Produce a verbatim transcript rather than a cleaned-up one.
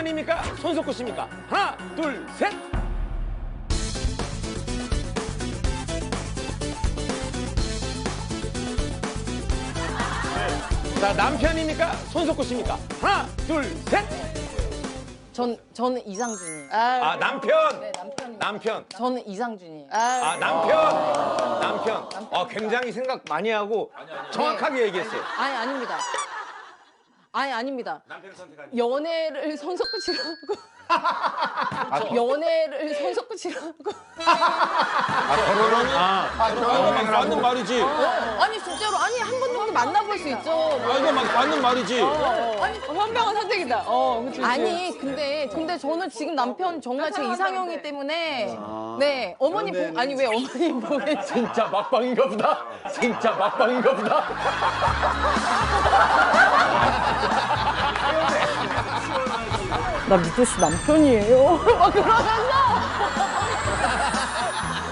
남편입니까? 손석구 씨입니까? 하나, 둘, 셋. 자, 남편입니까? 손석구 씨입니까? 하나, 둘, 셋. 전 저는 이상준이에요. 아, 남편. 네, 남편. 남편. 저는 이상준이에요. 아, 남편. 남편. 아, 굉장히 생각 많이 하고 정확하게 얘기했어요. 아니 아닙니다. 아니 아닙니다. 남편 선택한. 연애를 손석구 씨로 하고 연애를 손석구 씨로 하고 결혼은 아, 아, 맞는 말이지. 아니 진짜로 아니 한 번 정도 만나볼 수 있죠. 아, 이거 막 맞는 말이지. 아니 현명한 선택이다. 어, 그치, 그치. 아니 근데 근데 저는 지금 남편 정말 제 이상형이기 때문에 네 어머니 보 아니 왜 어머니 보고 계시? 진짜 막방인가 보다. 진짜 막방인가 보다. 나 미도 씨 남편이에요. 막 그러면서